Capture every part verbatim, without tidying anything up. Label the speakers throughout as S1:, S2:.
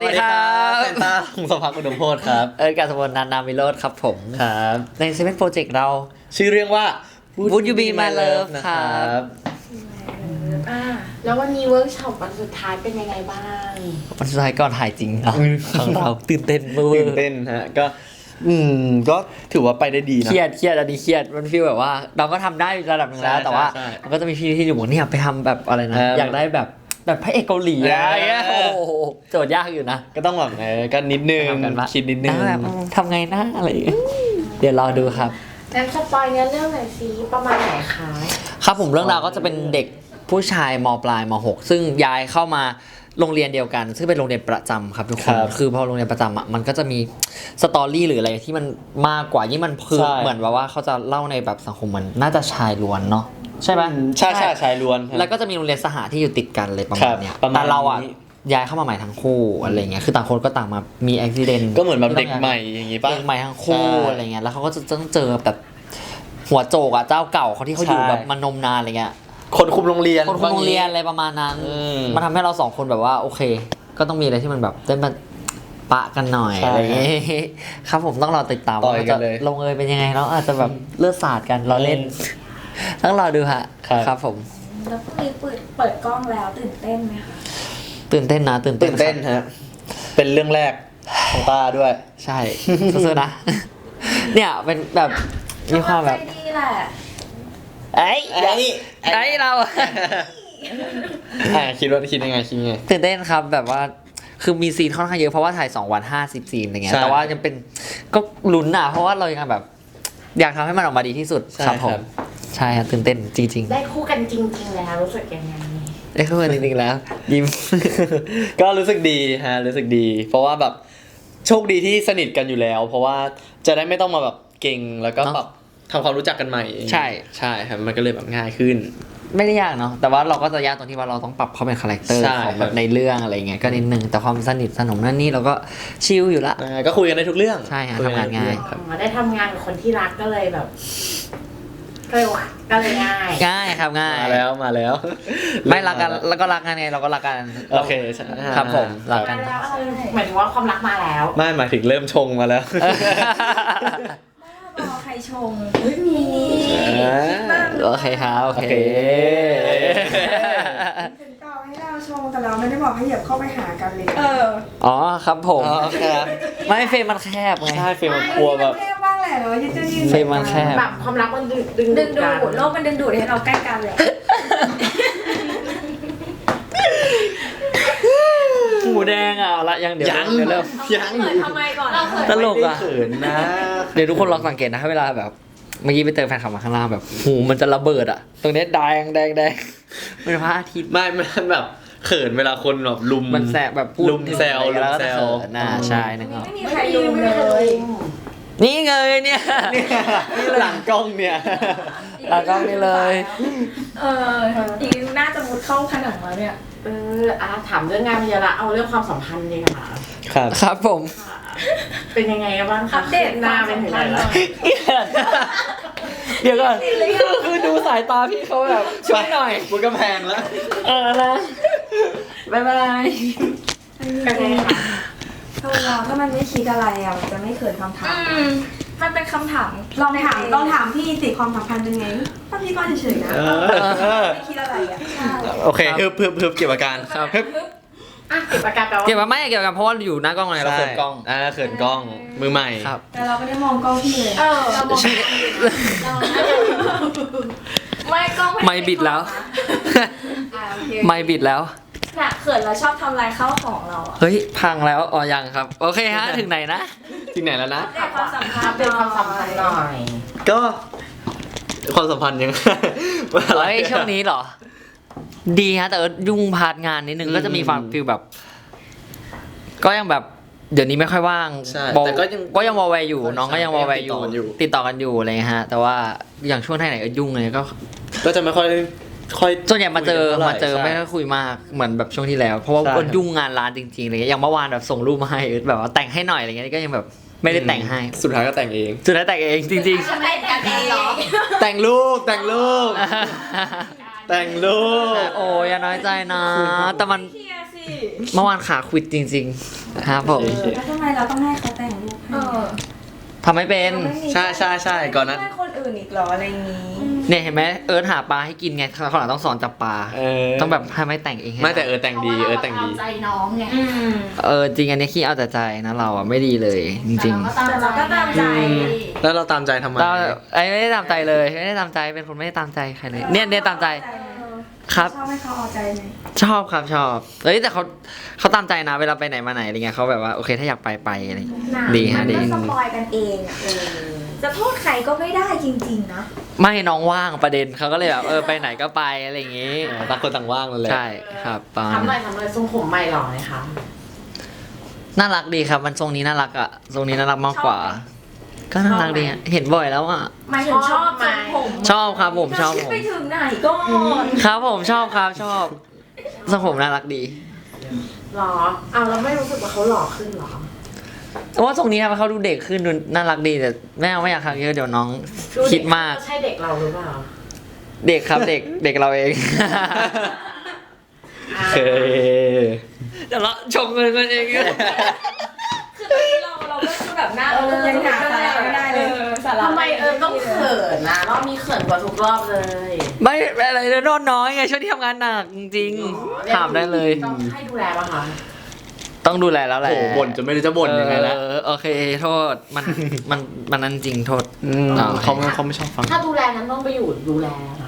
S1: สวัสดีครับ
S2: เซนต้าพงศพักอุดมโพธิ์ครับ
S1: เอิร์ธกาสมนนันท์นามิโรธครับผม
S2: ครับ
S1: ในเซเว่นโปรเจกต์เรา
S2: ชื่อเรื่องว่า
S1: Would You Be My Love
S2: นะครับ
S3: อ่าแล้ววันนี้เวิร์กช็อปวันสุดท้ายเป็นยังไงบ้าง
S1: วันสุดท้ายก่อนถ่ายจริงเนาะของเราตื่นเต้นเมื่อ
S2: ตื่นเต้นฮะก็อืมก็ถือว่าไปได้ดีนะ
S1: เครียดเครียดอันนี้เครียดมันฟีลแบบว่า เราก็ทำได้ระดับหนึ่งแล้ว
S2: ใช่
S1: แต่ว่า
S2: ใช่
S1: มันก็จะมีพี่ที่อยู่บอกเนี่ยไปทำแบบอะไรนะ
S2: เออ
S1: อ
S2: อ
S1: ยากได้แบบแบบพระเอกเกาหลีอะไรเงี้ย
S2: เออ
S1: โอ้โหโจทย์ยากอยู่นะ
S2: ก็ต้องแบบเออก็นิดนึง
S1: ทำกันว่า
S2: คิดนิดนึง
S1: แบบอืมทำไงหน้าอะไรอย่างเงี้ยเดี๋ยวรอดูครับ
S3: งั้นสปอยเนื้อเรื่องหน่อยสิประมาณไหนคะ
S1: ครับผมเรื่องราวก็จะเป็นเด็กผู้ชายมปลายมหกซึ่งย้ายเข้ามาโรงเรียนเดียวกัน ซึ่งเป็นโรงเรียนประจำครับทุกคน
S2: ครับ
S1: คือพอโรงเรียนประจำอ่ะมันก็จะมีสตอรี่หรืออะไรที่มันมากกว่ายิ่งมันคือ
S2: ใช่
S1: เหมือนว่าว่าเขาจะเล่าในแบบสังคมมันน่าจะชายล้วนเนาะใช่ไหม
S2: ใช่ใช่ชายล้วน
S1: แล้วก็จะมีโรงเรียนสหที่อยู่ติดกันเลยประมาณเนี้ย
S2: ครับประมาณ
S1: แต่เราอ่ะ
S2: นี้
S1: ย้ายเข้ามาใหม่ทั้งคู่อะไรเงี้ยคือต่างคนก็ต่างมามีอุบิเหตุ
S2: ก็เหมือนแบบเด็กใหม่อย่างงี้ป่ะ
S1: เด็กใหม่ทั้งคู่
S2: ใช่
S1: อะไรเงี้ยแล้วเขาก็จะต้องเจอแบบหัวโจกอ่ะเจ้าเก่าเขาที่เขาอยู่
S2: ใช่
S1: แบบมานมนานอะไรเงี้ย
S2: คนคุมโรงเรียน
S1: คนคุมโรงเรียนอะไรประมาณนั้น
S2: อืม
S1: มันทำให้เราสองคนแบบว่าโอเค ก็ต้องมีอะไรที่มันแบบได้มาปะกันหน่อย
S2: ใช่
S1: อะไรอย่างเงี้ยครับผมต้องรอติดตาม
S2: ต่อย
S1: ว่า
S2: กั
S1: จะ
S2: นเลย
S1: ลงเอยเป็นยังไงแล้วอาจจะแบบเลือดสาดกันเราเล่น ต้องรอดูฮะ
S2: ครับ
S1: ครับผม
S4: แล้วพรุ่งนี้เปิดเปิดกล้องแล้วตื่นเต้นไหมคะ
S1: ตื่นเต้นนะตื่นเต้
S2: ตื่
S1: น
S2: นเต้น
S1: ครับ
S2: ฮะเป็นเรื่องแรกของตาด้วย
S1: ใช่สู้ๆนะ เนี่ยเป็นแบบมีความแบบ
S4: ใจดีแหละ
S1: เอ้ย
S2: ไอ้
S1: ไอ้เรา
S2: อ่าคิดว่าคิดยังไงคิดยังไง
S1: ตื่นเต้นครับแบบว่าคือมีซีนค่อนข้างเยอะเพราะว่าถ่ายสองวันห้าสิบซีนอะไรเงี้ย
S2: ใช่
S1: แต่ว่ายังเป็นก็ลุ้นอ่ะเพราะว่าเรายังแบบ อยากทำให้มันออกมาดีที่สุด
S2: ใช่
S1: ครับผม
S2: ครับ
S1: ใช่ครับตื่นเต้นจริง
S3: ได้คู่กันจริง ๆ แล้วรู้สึกยังไง
S1: ๆได้เข้ามาจริงๆแล้ว ยิ้ม
S2: ก็รู้สึกดีฮะรู้สึกดี เพราะว่าแบบโชคดีที่สนิทกันอยู่แล้ว เพราะว่าจะได้ไม่ต้องมาแบบเก่งแล้วก็
S1: เนอะ
S2: แบบทำความรู้จักกันใหม่
S1: ใช่
S2: ใช่ครับมันก็เลยแบบง่ายขึ้น
S1: ไม่ได้ยากเนาะแต่ว่าเราก็จะยากตรงที่ว่าเราต้องปรับเขาเป็นคาแรคเตอร์
S2: ใช่
S1: ของ
S2: ค
S1: แบ
S2: รับบ
S1: ในเรื่องอะไรเงี้ยก็นิดนึงแต่ความสนิทสนมนั่นนี่เราก็ชิลอยู่ละ
S2: อ่าก็คุยกันได้ทุกเรื่อง
S1: ใช่ฮะ
S2: คุกัได้ทุก
S1: ทำงานง่าย
S2: เรื่องครับ
S3: อ๋อได้ทำงานกับคนที่รักก็เลยแบบก็เลยว่าก็เลยง่าย
S1: ง่ายครับง่าย
S2: มาแล้วมาแล้ว
S1: ไม่รักกันแล้วก็รักกันไงเราก็รักกัน
S2: โอเคใช่
S1: ครับผมรักกั
S3: มาน แล้วอะไรหมายถึงว่าความรักมาแล้ว
S2: ไม่หมายถึงเริ่มชงมาแล้ว
S4: รอใครชง
S3: ไม่มี
S2: อ่า
S4: คิดบ้าง
S1: โอเคครับโอเค
S2: โอเค
S5: ถึงต่อให้เราชงแต่เราไม่ได้บอกให้เหยียบเข้าไปหากันเลย
S4: เออ
S1: อ๋อครับผม
S2: อ๋อครับ
S1: ไม่เฟรมมันแคบไง
S2: ใช่เฟรมกลัวแบบ
S5: เท่บ้างแหละเนาะยืดยืด
S1: เฟรมมันแคบ
S3: แบบความรักมันดึงดึง
S4: ดึงดู
S3: กัน
S4: ดโลกมันดึงดูดให้เราใกล้กันเลย
S1: หมูแดงอ่ะเอาละยังเดี๋ยว
S2: ยัง
S1: เดี๋ยวเริ่ม
S2: ยัง
S4: เปิดทำไมก่อนเราเปิด
S1: ตลกอ่ะ
S2: ไม่ได้เขินนะ
S1: เดี๋ยวทุกคนลองสังเกตนะถ้าเวลาแบบเมื่อกี้ไปเจอแฟนคลับมาข้างล่างแบบหูมันจะระเบิดอ่ะ ตรงเนี้ยแดงแดงแดงเป็นพระอาทิตย์
S2: ไม่มันแบบเขินเวลาคนแบบลุม
S1: มันแสบแบบพูด
S2: ลุมแซว
S1: ถึงอะไร
S2: ลุมแซว
S1: แล้วก็จะเขินน่าใช่นึกออก
S4: ไม่มี
S3: ไม่
S4: ใคร
S3: มี
S4: ดู
S3: ไม่
S4: เล
S3: เคย
S4: ย
S1: นี่ไงเนี่ย
S2: เนี่ยหลังกล้องเนี่ย
S1: หลังกล้องนี่เลย
S4: เอออีกน่าจะมุดเข้าผนังแล้วเนี่ย
S3: เอออ่ะถามเรื่องงานไปเยอะละเอาเรื่องความสัมพันธ์ดีกว่า
S2: ครับ
S1: ครับผม
S3: เป็นยังไงบ้างคะ
S4: อัปเดต
S3: หน้าเป็นถึงไหนแล้ว
S1: เดี๋ยวก่อนคือคือดูสายตาพี่เขาแบบช่วยหน่อย
S2: บนกำแพงแล้ว
S1: เออนะบ๊ายบาย
S3: เป็นไงคะ
S5: โทษเราถ้ามันไม่คิดอะไรอ่ะมันจะไม่เขินคำถาม
S4: อืมมันเป็นคำถาม
S5: ลองถามลองถามพี่สิความสัมพันธ์เป็นไงถ้าพี่ก็เฉยๆนะ
S2: เออ
S5: ไม่คิดอะไรอ่ะใช่
S2: โอเคฮึบฮึบฮึบเก็บอาการ
S1: ครับ
S2: ฮึบ
S3: อ่ะเก็บอาการแปลว่า
S1: เกี่ยวกับไม่เกี่ยวกับเพราะว่าอยู่หน้ากล้องไงเราเปิดกล้อง
S2: อ่าเขินกล้องมือใหม่
S1: ครับ
S5: แต่เราไม่ได้มองกล้องพี่เลย
S3: เออ
S4: เรามองเราไม่กล้อง
S1: ไม่บิดแล้ว
S4: อ่าโอเค
S1: ไม่บิดแล้ว
S4: น่ะเขินแล้วชอบทำลายข้าวของเราอ่ะ
S1: เฮ้ย พังแล้วอ๋อยังครับ โอเคฮะ ถึงไหนนะ
S2: ที่ไหนแล้วนะ
S4: อัปเดตความสัมพัน
S3: อัป
S4: ธ์
S3: เดตความสัมพันธ์หน่อย
S2: ก็ความสัมพันธ์ยัง
S1: เฮ้ย ช่วงนี้เหรอ ดีฮะ แต่ว่ายุ่งพาร์ทงานนิดนึง
S2: อืม
S1: ก็จะมีความฟิลแบบ ก็ยังแบบ เดี๋ยวนี้ไม่ค่อยว่าง
S2: ใช่
S1: วอล
S2: แต่ก็ยัง
S1: ก็ยังวอลแวร์อยู่ น้องก็ยังวอลแวร์
S2: ติดต่อกันอยู่
S1: ติดต่อกันอยู่อะไรเงี้ยฮะ แต่ว่าอย่างช่วงไหนๆก็ยุ่งเลยก็
S2: ก็จะไม่ค่อยค่อย
S1: ส่วนใหญ่มาเจอ
S2: คุยกันท่ไหร่
S1: มาเจอ
S2: ใช่
S1: ไม่ค่อยคุยมากเหมือนแบบช่วงที่แล้ว เพราะว่า
S2: ใช่
S1: ก็ยุ่งงานร้านจริงๆอะไรเงี้ยอย่างเมื่อวานแบบส่งรูปมาให้แบบว่าแต่งให้หน่อยอะไรเงี้ยก็ยังแบบไม่ได้แต่งให้
S2: สุดท้ายก็แต่งเอง
S1: สุดท้ายแต่งเองจริง
S4: จะได้แต่งเองเหรอ
S2: แต่งรูปแต่งรูป
S1: ๆ
S2: แต่งรูป
S1: โอ้ยอย่าน้อยใจนะ แต่มัน
S4: เคลียร์สิ
S1: เมื่อวานขาควิดจริงๆครับผม
S5: แล้วทำไมเราต้องให้เขาแต่งรูปให้
S4: เออ
S1: ทำไม่เป็น
S5: เราไม่มี
S2: ใช่ใช่ใช่ก่อนนั้น
S5: ไม่ให้คนอื่นอีกเหรออะไรอย่างนี้
S1: เนี่ยเห็นไหมเอิร์ธหาปลาให้กินไงเขาหลังต้องสอนจับปลา
S2: เออ
S1: ต้องแบบให้ไม่แต่งเองให้
S2: ไม่แต่เออแต่งดีเออแต่งดี
S4: พราะว่าเราเอาใจน้องไง
S3: อืม
S1: เออจริงอันนี้ขี้เอาแต่ใจนะเราอ่ะไม่ดีเลยจริง
S4: แต่เราก็ตามใจ
S2: แล้วเราตามใจทำไม
S1: ๆเราไอ้ไม่ได้ตามใจเลยไม่ได้ตามใจเป็นคนไม่ได้ตามใจใครเลยเนี่ยเนี่ยตามใจครับ
S5: ชอบให้เขาเอาใจไหม
S1: ชอบครับชอบเอ้ยแต่เขาเขาตามใจนะเวลาไปไหนมาไหนอะไรเงี้ยเขาแบบว่าโอเคถ้าอยากไปไปอะไรอย่างเงี้ยดีฮะดี
S4: มันก็สปอยกันเองอ่ะจะโทษใครก็ไม่ได้จริงๆนะ
S1: ไม่น้องว่างประเด็นเขาก็เลยแบบเออไปไหนก็ไปอะไรอย่างงี้
S2: เออต่างคนต่างว่างนั่นแหละ
S1: ใช่ครับประมาณ
S3: ทำหน่
S1: นั้
S3: อย
S1: น
S3: ทำหน่อยทรงผมใหม่หล่อเลยค่ะ
S1: น่ารักดีครับมันทรงนี้น่ารักอ่ะทรงนี้น่ารักมากกว่า ก็น่ารักดีอะเห็นบ่อยแล้วอ่ะ
S4: หมายถึงชอบทรงผม
S1: ชอบครับผมชอบ
S4: คิด
S1: ผม
S4: ไปถึงไหนก่อน
S1: ครับผมชอบครับชอบทรงผมน่ารักดี
S3: หรออ้าวเราไม่รู้สึกว่าเขาหล่อขึ้นหรอ
S1: เพราะว่าทรงนี้ครับเขาดูเด็กขึ้นดูน่ารักดีแต่แม่เอาไม่อยากทำเยอะเดี๋ยวน้อง
S3: ดู
S1: คิดมาก
S3: ใช่เด็กเราหรือเปล่า
S1: เด็กครับเด็กเด็กเราเอง
S2: โอเค
S1: เดี๋ยวเราชมเงินกันเอง
S4: คือตอนนี้เราเราก็คือแบบหน้าเราก็
S5: ยังหาสาระไม่ได้เลย
S4: สาระ
S3: ทำไมเอิญต้องเขินนะรอบนี้เขินกว่าทุกรอบเลย
S1: ไม่อะไรเลยนอนน้อยไงช่วงที่ทำงานหนักจริงๆถามได้เลย
S3: ต้องให้ดูแลป่ะคะ
S1: ต้องดูแลแล้วแหละ
S2: โอ้โหบ่นจนไม่รู้จะบ่นยังไงแล้ว
S1: เออโอเคโทษมันมันมันนั่นจริงโทษ
S2: ม
S1: อ่า
S2: เขาไม่เขาไม่ชอบฟัง
S3: ถ้าดูแลนั้นต้องไปอยู่ดูแลนะ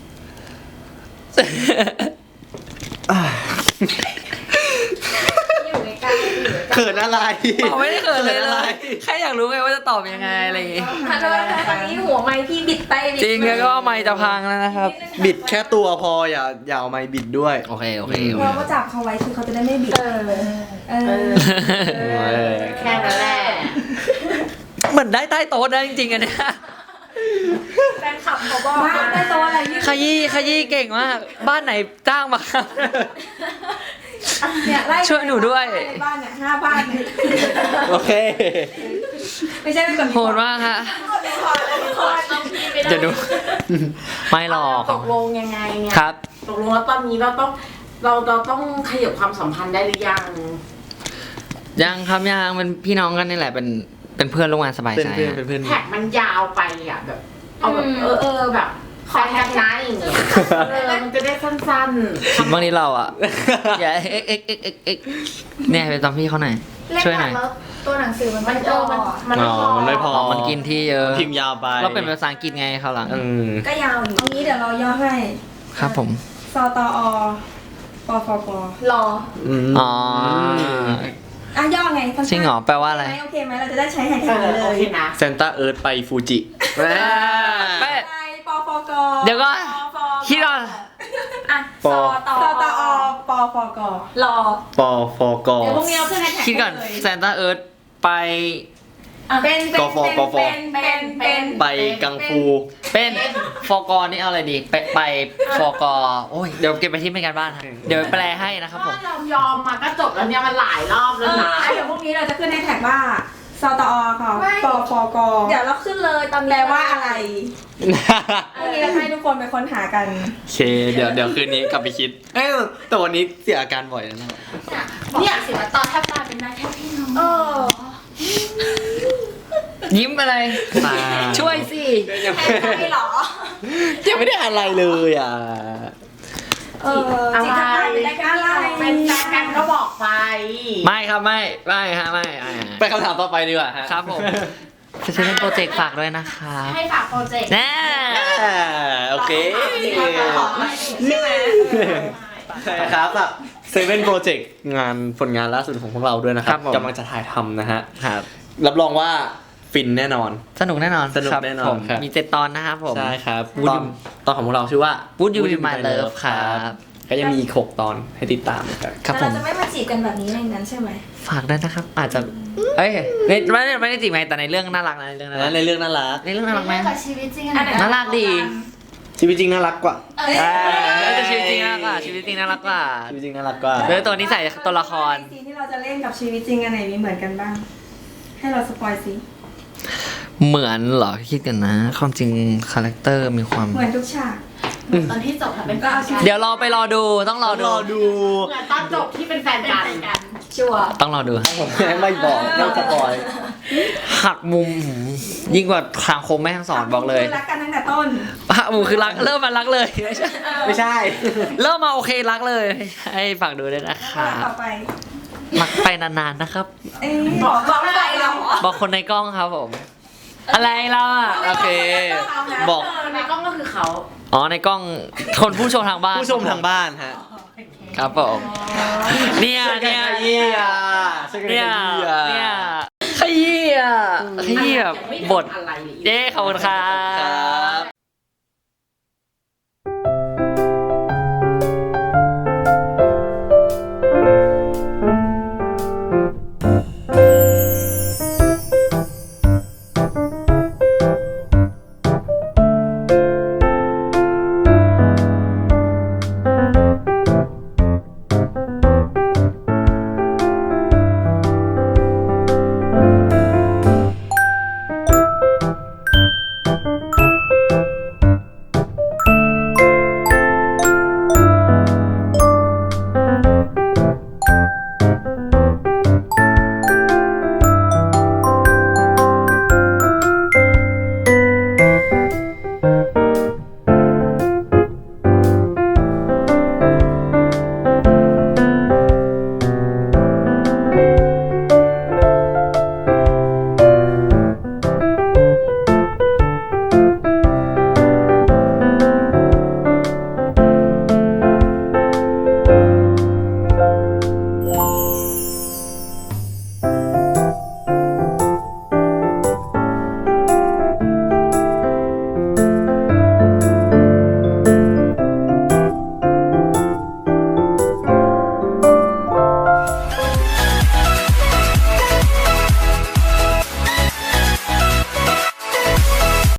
S4: อยู่ใกล้ๆอยู่ใกล้
S2: เขินอะไร
S1: เขาไม่ได้เขินเลย
S2: ขิ
S1: เล
S2: อะไร
S1: ยแค่อยากรู้ไงว่าจะตอบยังไงอะไรอย่างงี้
S4: ๆถ้าโดนตอนนี้หัวไม้พี่บิดไปบิด
S1: จริงแล้วก็ไม่จะพังแล้วนะครับ
S2: บิดแค่ตัวพออย่าอย่าเอาไม้บิดด้วย
S1: โอเคโอเคโอเค
S5: เราก็จับเขาไว้คือเขาจะได้ไม่บิด
S4: เออ
S5: เอ
S3: เอ
S5: อ
S3: อ
S2: เออ
S3: แค่นั้นแหละ
S1: เหมือนได้ใต้โต๊ะนะจริงๆอันเนี้ย
S4: แฟนคลับเขาบอก
S5: มาได้โต๊ะอะไรที่
S1: ขยี้ขยี้เก่งมาก บ้านไหนจ้างมาครับ
S5: เนี่ยไล่
S1: ช่วยหนูด้วย
S5: ในบ้านเนี่ยห้าบ้านเนี่ย
S2: โอเค
S5: ไม่ใช่ไม่แบบ
S1: โหดมากฮะ
S3: ต้องพี่ไม่ได้
S1: เดี๋ยวดู ไม่หรอก
S3: ตกลงยังไงเนี่ย
S1: ครับ
S3: ตกลงแล้วตอนนี้เราต้องเราเราต้องขยับความสัมพันธ์ได้หรือยัง
S1: ยังครับยังเป็นพี่น้องกันนี่แหละเป็นเป็นเพื่อนร่วมงานสบาย
S2: เป็น
S1: ใจ
S2: เพื่อน
S1: ฮะ
S2: เป็นเพื่อน
S3: แท็กมันยาวไปอ่ะแบบ เอาแบบเออเออแบบขอแท็กนะอย่างเงี้ยเออมันจะได้สั้น
S1: บางทีเราอ่ะ อย่าเอ็กเอ็กเอ็กเอ็กเอ็กเนี่ยไปตามพี่เขาหน่อย
S4: เล่น
S1: ช่วยห
S4: ห
S1: น่
S4: นั
S1: อง ย
S4: แล้วตัวหนังสือมัน
S3: ๆ
S4: ไม่
S3: มัน
S4: พ
S3: เอ
S4: อ
S3: อมันมันไม่
S2: อ๋
S3: พ
S2: อ
S3: อ
S2: มันไม่พอ
S1: อ๋อมันกินที่เยอะ
S2: พิมพ์ยาวไป
S1: เราเป็นภาษาอังกฤษไงเขาวหลัง
S2: อืม
S5: ก็ยาวอยู่เอางี้เดี๋ยวเราย่อให้
S1: ครับผม
S5: สตอปฟป
S4: รอ
S2: อืม
S1: อ๋อ
S5: อ่ะย่อไงสั้นๆ
S1: จริงเหรอแปลว่าอะไร
S5: โอเคไหมเราจะได้ใช้แฮช
S3: เอ
S5: แท็ก
S3: อ
S5: เล
S3: โอย เคนะ
S2: เซนต้าเอิร์ธไปฟูจิ
S1: แม่
S5: ไปปฟก
S1: เดี๋ยวก่อน
S5: ปฟก
S1: คิดก่อน
S4: อ่ะ
S2: ป
S4: ส
S2: อ
S4: ตอ
S5: สตอปฟก
S4: รอ
S2: ปอฟก
S5: เดี๋ยวพรุ่งนี้เราขึ้นแฮชแท็ก
S1: คิดก่อน
S5: เลย
S1: ซานต้าเอิร์ธไป
S5: เป็นเป็น
S2: กฟกฟ
S5: เป็นเป็นเป็น
S2: ไปกังฟู
S1: เป็นฟอกอนี่เอาอะไรดี ไปไปฟอกอโอ้ยเดี๋ยวเก็บไปที่เป็นการบ้านฮะเดี๋ยวแปลให้นะครับผม
S3: ก็ยอมยอมมาก็จบแล้วเนี่ยมันหลายรอบ
S5: เอ
S3: แล้ว
S5: อ
S3: นะ
S5: อ่ะเดี๋ยวพรุ่งนี้เราจะขึ้นแฮชแท็กว่าสตอค่ะปฟก
S4: เดี๋ยวเราขึ้นเลยตอนนี้
S5: แปลว่าอะไรพรุ่งนี้เราให้ทุกคนไปค้นหากัน
S2: โอเค เดี๋ยวเดี๋ยวคืนนี้กลับไปคิด เอ้ยแต่วันนี้เสียอาการบ่อยแล้วนะ
S4: เนี่ยสิว่าตอนแทบตายเป็นได้แค่พี่น้องเออ
S1: ยิ้มอะไร
S2: ตา
S1: ช่วยสิ
S2: ยัง
S4: แค่ไหนหรอ
S2: ยังไม่ได้อะไรเลยอ่ะ
S5: เออจิตใจเป็นได้แค่อะไร
S3: เป็นแฟนกันก็บอกไป
S1: ไม่ครับไม่ไม่ฮะไม่ไม่ฮะ
S2: ไปคำถามต่อไปดีกว่าฮะ
S1: ครับผมจะใช้เป็นโปรเจกต์ฝากด้วยนะครับ
S3: ให้ฝากโปรเจกต์
S1: แน่
S2: อ่าโอเค
S3: ใช่ไหม
S2: ครับอ่ะเซเว่นโปรเจกต์งานผลงานล่าสุดของพวกเราด้วยนะครับ
S1: ครับผม
S2: กำลังจะถ่ายทำนะฮะ
S1: ครับ
S2: รับรองว่าฟินแน่นอน
S1: สนุกแน่นอน
S2: สนุก
S1: ครับ
S2: แน่นอน
S1: ผม
S2: ครับ
S1: มีเจ็ดตอนนะครับผม
S2: ใช่ครับ
S1: Would
S2: ตอน
S1: you-
S2: ตอนของพวกเราชื่อว่า
S1: Would You Be
S2: Be
S1: My
S2: My
S1: Love
S2: Love
S1: ครับ
S2: ก็ยังมีอีกหกตอนให้ติดตามครับ
S1: ครับผ
S5: เรา
S1: ม
S5: จะไม่มาจีบกันแบบนี้ในนั้นใช่ไหม
S1: ฝากด้วยนะครับ อาจจะเอ้ยไม่ไม่ได้ไม่ได้จีบไงแต่ในเรื่องน่ารักนะในเรื่องน่ารั
S2: แล้
S1: ก
S2: วในเรื่องน่ารัก
S1: ในเรื่องน่ารักไหม
S4: กับชีวิตจริง
S5: อันไหน
S1: น่ารักดี
S2: ชีวิตจริงน่ารักกว่า
S4: เอ้ย
S1: เออแต่ชีวิตจริงน่ารักกว่าชีวิตจริงน่ารักกว่า
S2: ชีวิตจริงน่ารักกว่า
S1: เรื่องตัวนี้ใส่ตัวละคร
S5: ซีนที่เราจะเล่นกับชีวิตจริงอันไหนมีเหมือนกันบ้าง ให้เราสปอยสิ
S1: เหมือนเหรอคิดกันนะ ความจริงคาแรคเตอร์มีความ
S5: เหมือนทุกฉาก
S3: ตอนที่จบค่ะเป็นแฟนกัน
S1: เดี๋ยวรอไปรอดูต้องรอ
S2: ร
S1: ดู
S2: อดู
S3: เหมือนตอนจบที่เป็นแฟนกัน
S4: ชัวร์
S1: ต้องรอดู
S2: ผมไม่บอกไม่สปอย
S1: หักมุมยิ่งกว่าทางโคมแม่ทั้งสอนบอกเลย
S5: คือรักกันตั้งแต่ต้น
S1: หักมุมคือรักเริ่มมารักเลยไม่ใช่
S2: ไม่ใช่
S1: เริ่มมาโอเครักเลยให้ฝากดูด้วยนะค
S5: แล้ว
S1: รับ
S5: ต่อไป
S1: รักไปนานๆนะครับ
S5: เอ้ย
S4: บอกบอกไปเราเหรอ
S1: บอกคนในกล้องครับผม อะไรเราอ่ะโอเค บอก
S3: ในกล้องก็คือเขา
S1: อ๋อในกล้องคนผู้ชมทางบ้าน
S2: ผู้ชมทางบ้านฮะ
S1: ครับผมเนี่ยเนี่ย
S2: เยี่ยช่วยกัน
S1: เนี่ย
S2: เยี่ย
S1: เนี่ยขยี้อ่ะขยี้แบบบท
S3: อะไร
S1: เย้ขอบคุณครั
S2: ครับ บ